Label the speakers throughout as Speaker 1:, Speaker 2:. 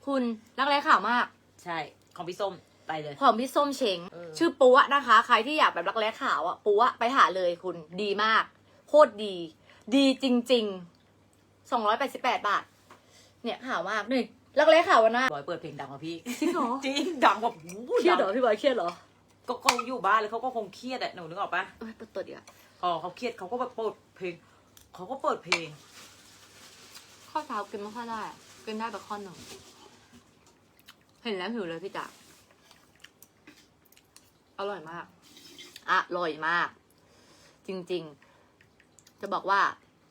Speaker 1: คุณรักแร้ขาวมาก
Speaker 2: ใช่ของพี่ส้มไปเลย
Speaker 1: ของพี่ส้มเช้งชื่อปัวนะคะใครที่อยากแบบรักแร้ขาวอ่ะปัวไปหาเลยคุณดีมากโคตรดีดีจริงๆ288 บาทเนี่ยขาวมากนี่รักแร้ขาวนะ
Speaker 2: บอยเปิดเพลงดังกว่าพี่
Speaker 1: จริงเหรอ
Speaker 2: จริงดังกว่า
Speaker 1: เครียดเหรอพี่บอยเครียดเหรอ
Speaker 2: ก็คงอยู่บ้านแล้วเขาก็คงเครียดอะหนูนึกออกปะ
Speaker 1: เปิดตัวดีอ่ะ
Speaker 2: อ๋อเขาเครียดเขาก็แบบเปิดเพลงเขาก็เปิดเพลง
Speaker 1: ข้าวเช้ากินไม่ค่อยได้กินได้แบบข้อหนึ่งเห็นแล้วหิวเลยพี่จ๋าอร่อยมากอร่อยมากจริงๆจะบอกว่า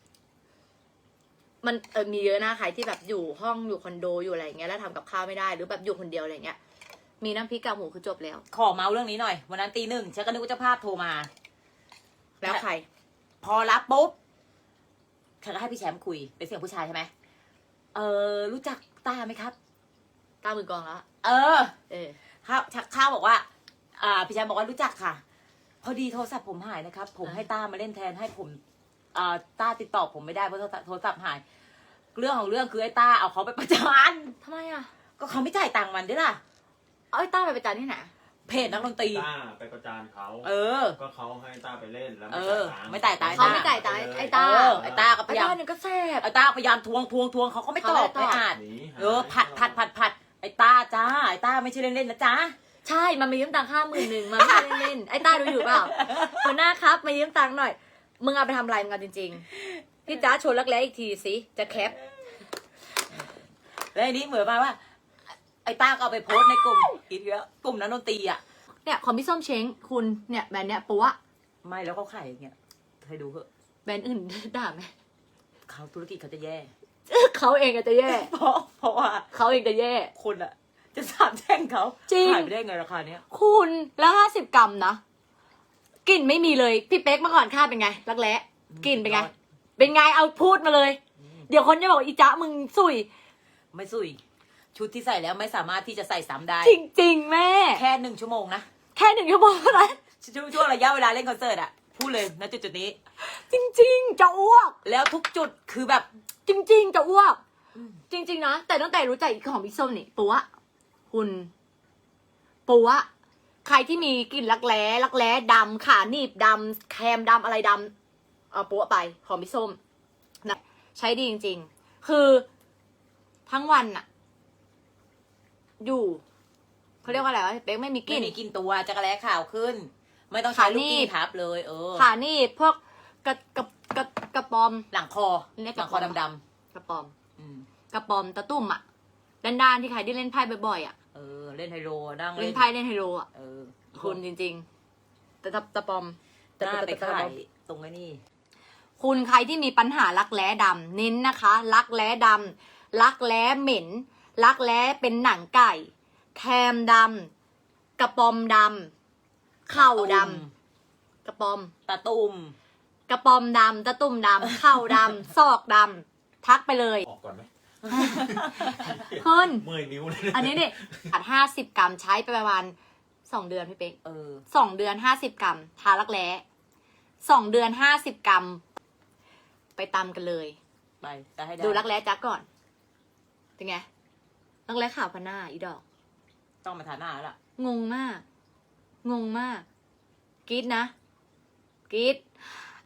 Speaker 1: มันมีเยอะนะใครที่แบบอยู่ห้องอยู่คอนโดอยู่อะไรอย่างเงี้ยแล้วทำกับข้าวไม่ได้หรือแบบอยู่คนเดียวอะไรเงี้ยมีน้ำพริกกากหมูคือจบแล้ว
Speaker 2: ขอเมาส์เรื่องนี้หน่อยวันนั้นตี 1ฉันก็นึกว่าเจ้าภาพโทรมา
Speaker 1: แล้วใคร
Speaker 2: พอรับปุ๊บฉันก็ให้พี่แชมป์คุยเป็นเสียงผู้ชายใช่ไหมรู้จักต้าไหมครับ
Speaker 1: ต้ามือกองแล้ว
Speaker 2: ข้าวบอกว่าพี่แชมป์บอกว่ารู้จักค่ะพอดีโทรศัพท์ผมหายนะครับผมให้ต้ามาเล่นแทนให้ผมต้าติดต่อผมไม่ได้เพราะโทรศัพท์หายเรื่องของเรื่องคือไอ้ต้าเอาเขาไปประจาน
Speaker 1: ทำไมอ่ะ
Speaker 2: ก็เขาไม่จ่ายตังค์มันด้วยล่ะ
Speaker 1: เอาไอ้ต้าไปประจานที่ไหน
Speaker 2: เพจนักดนตรี
Speaker 3: ต้าไปประจานเขาก็เขาให้ต้าไปเล่นแล้ว
Speaker 2: ไม่จ่ายตังค์
Speaker 1: เขาไม่จ่ายตังค์ไอ้ต้า
Speaker 2: ก็พยายาม
Speaker 1: ก็แซ่บ
Speaker 2: ไอ้ต้าพยายามทวงเขาก็ไม่ตอบไม่อ่านผัดไอ้ต้าจ้าไอ้ต้าไม่ใช่เล่นๆนะจ้า
Speaker 1: ใช่มันมายืมตังค์50,000มันไม่ได้เล่นไอ้ต้าดูอยู่เปล่าหัวหน้าครับมายืมตังค์หน่อยมึงเอาไปทำอะไรมึงเอาจริงๆพี่จ้าชวนรักแร้อีกทีสิจะแคป
Speaker 2: แล้วอันนี้เหมือนมาว่าไอ้ต้าก็เอาไปโพสในกลุ่มอีกแล้วกลุ่มนักดนตรี
Speaker 1: เนี่ยของพี่ส้มเช้งคุณเนี่ยแบรนด์เนี่ยปัว
Speaker 2: ไม่แล้วเขาขายอย่างเงี้ยให้ดูเถอะ
Speaker 1: แบรนด์อื่นด่าไหม
Speaker 2: เขาธุรกิจเขาจะแย่
Speaker 1: เขาเองก็จะแย่
Speaker 2: เพราะว่า
Speaker 1: เขาเองจะแย่
Speaker 2: คนจะสาบแช่งเขา
Speaker 1: จริง
Speaker 2: ขายไปได้ไงราคาเนี้ย
Speaker 1: คุณแล้ว50 กรัมนะกลิ่นไม่มีเลยพี่เป๊กเมื่อก่อนค่าเป็นไงรักแร้กลิ่นเป็นไงเอาพูดมาเลยเดี๋ยวคนจะบอกอีจ๊ะมึงสุย
Speaker 2: ไม่สุยชุดที่ใส่แล้วไม่สามารถที่จะใส่ซ้ำได้
Speaker 1: จริงๆแม่
Speaker 2: แค่1 ชั่วโมงนะ
Speaker 1: แค่1 ชั่วโมงเท่านั้น
Speaker 2: ช่วงระยะเวลาเล่นคอนเสิร์ตพูดเลยนะจุดนี้
Speaker 1: จริงๆจะอ้วก
Speaker 2: แล้วทุกจุดคือแบบ
Speaker 1: จริงๆจะอ้วกจริงๆนะแต่ตั้งแต่รู้จักของพี่ส้มนี่ปัวคุณปัวใครที่มีกลิ่นรักแร้ดำขาหนีบดำแคมดำอะไรดำเอาปัวไปของพี่ส้มนะใช้ดีจริงๆคือทั้งวันอยู่เขาเรียกว่าอะไรวะเป๊กไม่มีกลิ่น
Speaker 2: ตัวจักรแร้ขาวขึ้นไม่ต้องใช้ลูกกิ้งทับเลย
Speaker 1: ขาหนีบพวกกระปอม
Speaker 2: หลังคอดำ
Speaker 1: ๆกระปอมกระปอมตะตุ่มด้านๆที่ใครที่เล่นไพ่บ่อย
Speaker 2: เล่นไฮโลนั่ง
Speaker 1: เล่นไพ่เล่นไฮโลคุณจริงๆแต่ตะปอม
Speaker 2: แต่ไปขายตรงนี้
Speaker 1: คุณใครที่มีปัญหารักแร้ดำเน้นนะคะรักแร้ดำรักแร้เหม็นรักแร้เป็นหนังไก่แคมดำกระปอมดำเข่าดำกระปอม
Speaker 2: ตะตุ่ม
Speaker 1: กระปอมดำตะตุ่มดำเข่าดำซอกดำทักไปเลย
Speaker 3: ออกก่อนไหม
Speaker 1: คุณ
Speaker 3: เมื่อยนิ้วเลย
Speaker 1: อันนี้เนี่ย50 กรัมใช้ไปประมาณ2 เดือนพี่เป๊ก2 เดือน50 กรัมทารักแร้2 เดือน50 กรัมไปตำกันเลย
Speaker 2: ไปให้
Speaker 1: ดูรักแร้จักก่อนเป็นไงรักแร้ขาวพันหน้าอีดอก
Speaker 2: ต้องมาทาหน้าแล้วล่ะ
Speaker 1: งงมากกรี๊ดนะกรี๊ด